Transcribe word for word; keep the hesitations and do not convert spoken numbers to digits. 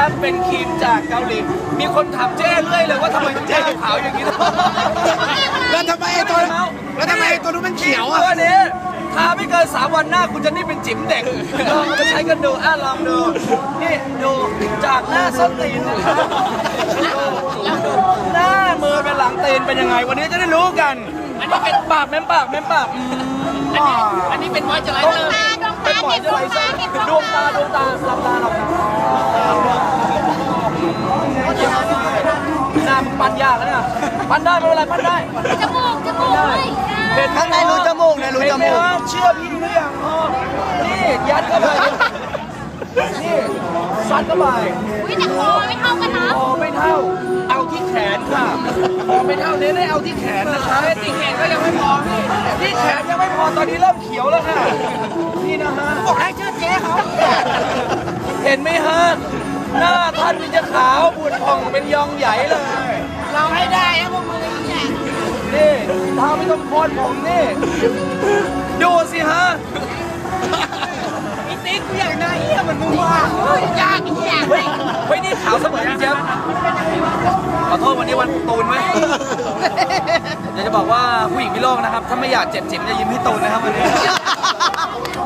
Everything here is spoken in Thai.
นะครับเป็นครีมจากเกาหลีมีคนถามเจ้เรื่อยเลยว่าทำไมเจ้ขาวอย่างนี้แล้วทำไมไอ้ตัวแล้วทำไมไอ้ตัวนู้นมันเขียวอ่ะตัวนี้ทาไม่เกินสามวันหน้าคุณจะนี่เป็นจิ๋มเด็กลองเอาไปใช้กันดูอ่ะลองดูนี่ดูจากหน้าส้นตีนนะครับหน้ามือเป็นหลังตีนเป็นยังไงวันนี้จะได้รู้กันอันนี้เป็นปากแม่มปากแม่มปากอันนี้เป็นมอยเจอไรเซอร์เป็นมอยเจอไรเซอร์ดวงตาดวงตาหลับตาหลับตาหน้ามันปั้นยากแล้วเนี่ยปั้นได้ไม่เป็นไรปั้นได้จมูกจมูกด้วยเป็นข้างในรูจมูกเนี่ยรูจมูกเชื่อพี่หรือยังอ๋อนี่ยัดเข้าไปนี่ซัดเข้าไปอุ้ยแต่คอไม่เท่ากันนะคอไม่เท่าเอาที่แขนค่ะคอไม่เท่าเน้นให้เอาที่แขนนะคะที่แขนก็ยังไม่พอพี่ที่แขนยังไม่พอตอนนี้เริ่มเขียวแล้วค่ะนี่นะฮะบอกให้เชื่อเจ๊เขาเห็นไหมฮะหน้าท่านนี่จะขาวบุญผ่องเป็นยองใหญ่เลยเราให้ได้นะพวกมึงเนี่ยนี่เท้าไม่ต้องโคนผมนี่ดูสิฮะอีติ๊กกูอยากหน้าเหี้ยเหมือนมึงว่ะยากอีกอย่างเลยเฮ้ยนี่ขาวเสมอพี่เจี๊ยบขอโทษวันนี้วันตูนไหมอยากจะบอกว่าผู้หญิงพิโลกนะครับถ้าไม่อยากเจ็บจิ๋มจะยิ้มให้ตูนนะครับวันนี้